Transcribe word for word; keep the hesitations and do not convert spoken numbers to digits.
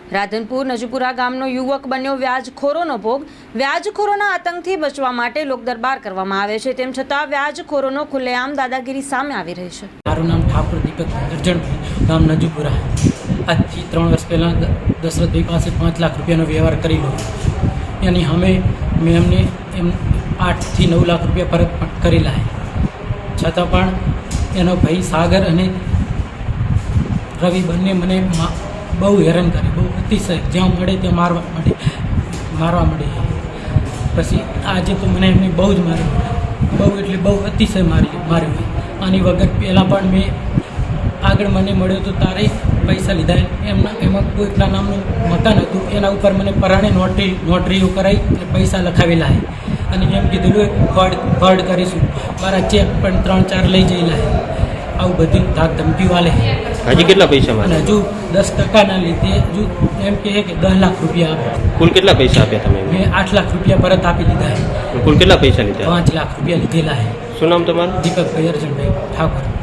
રાધનપુર નજપુરા ગામનો યુવક બન્યો વ્યાજખોરોનો ભોગ। વ્યાજખોરોના આતંકથી બચવા માટે લોકદરબાર કરવામાં આવે છે, તેમ છતાં વ્યાજખોરોનો ખુલ્લેઆમ દાદાગીરી સામે આવી રહી છે। મારું નામ ઠાકોર દીપક અર્જણભાઈ, ગામ નજપુરા। આજથી ત્રણ વર્ષ પહેલાં દશરથભાઈ પાસે પાંચ લાખ રૂપિયાનો વ્યવહાર કરેલો, એની અમે મેં એમને એમ આઠથી નવ લાખ રૂપિયા પરત કરેલા છે, છતાં પણ એનો ભાઈ સાગર અને રવિ બંને મને બહુ હેરાન કરે, બહુ અતિશય, જ્યાં મળે ત્યાં મારવા મળે મારવા મળે પછી આજે તો મને એમને બહુ જ માર્યું, બહુ એટલે બહુ અતિશય મારી માર્યું। આની વગર પહેલાં પણ મેં આગળ મને મળ્યો તો તારે પૈસા લીધા, એમના એમાં કોઈકના નામનું મકાન હતું, એના ઉપર મને પરાણે નોટરી નોટરીઓ કરાવી અને પૈસા લખાવેલા છે, અને એમ કીધેલું ફ્રોડ ફ્રોડ કરીશું, મારા ચેક પણ ત્રણ ચાર લઈ જયેલા છે। આવું બધી ધાક ધમકીઓ આલે। હજી કેટલા પૈસા અને માંગે? હજુ દસ ટકાના લીધે હજુ એમ કહે કે દસ લાખ રૂપિયા આપે। કુલ કેટલા પૈસા આપ્યા તમે? મેં આઠ લાખ રૂપિયા પરત આપી દીધા છે, કુલ કેટલા પૈસા લીધા? પાંચ લાખ રૂપિયા લીધેલા છે। શું નામ તમારું? દીપકભાઈ અર્જણભાઈ ઠાકોર।